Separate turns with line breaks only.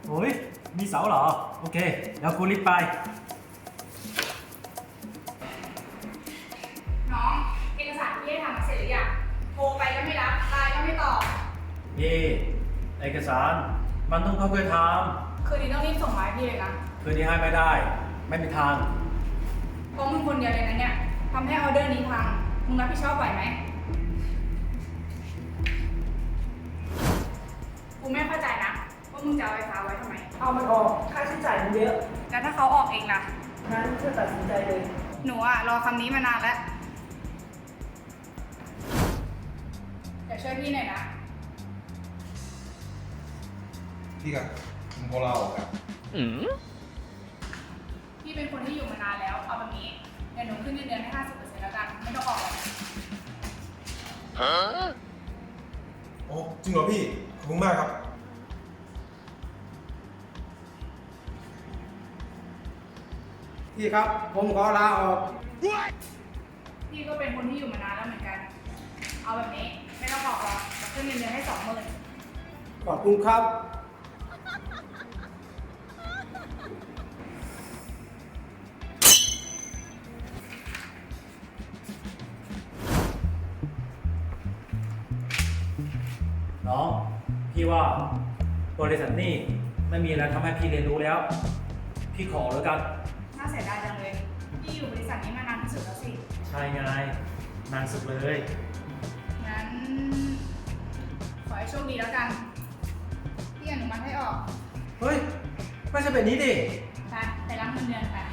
โอ้ยมีเสาเหรอ โอเคเดี๋ยวกูรีบไป
น้องเอกสารที่ให้ทำมาเสร็จหรือยังโทรไปก็ไม่รับไลน์ก็ไม่ตอบ
เย่เอกสารมันต้องค่อยๆท
คืนนี้ต้องรีบส่งมาให้พี่เลยนะ
ำคืนนี้ให้ไม่ได้ ไม่มีทาง
เพราะมึงคนเดียวเลยนะเนี่ยทำให้ออเดอร์นี้พังมึงรับผิดชอบไหวไหมกูไม่เข้าใจนะว่ามึงจะเอาไฟฟ้าไว้ทำไม
เอามันออกค่าใช้จ่ายมันเยอะ
แล้วถ้าเขาออกเองล่ะ
งั้นเธอตัดสินใจเลย
หนูอะรอคำนี้มานานแล้วเดี๋ยวช่วยพี่หน่อยนะ
พี่กับมึงโคเราครับ
พี่เป็นคนที่อยู่มานานแล้ว เอาแบบนี้เดี๋ยวหนูขึ้นเงินเดือนให้ 50% แล้วกัน ไม่ต้องออกหรอก
โอ้จริงเหรอพี่ ขอบคุณมากครับ
พี่ครับ ผมขอลาออก
พี่ก็เป็นคนที่อยู่มานานแล้วเหมือนกัน เอาแบบนี้ไม่ต้องออกหรอกเดี๋ยวขึ้นเงินเดือนให้ 20,000
ขอบคุณครับ
น้อง พี่ว่าบริษัทนี่ไม่มีอะไรทำให้พี่เรียนรู้แล้ว พี่ขอแล้วกัน
น่าเสียดายจังเลย พี่อยู่บริษัทนี้มานานที่สุดแล้วสิ
ใช่ไงนานสุดเลย
งั้น ขอให้โชคดีแล้วกัน พี่อนุมัติให้ออก
เฮ้ย ไม่ใช่แบบนี้ดิ
ไปรับเงินเดือนไป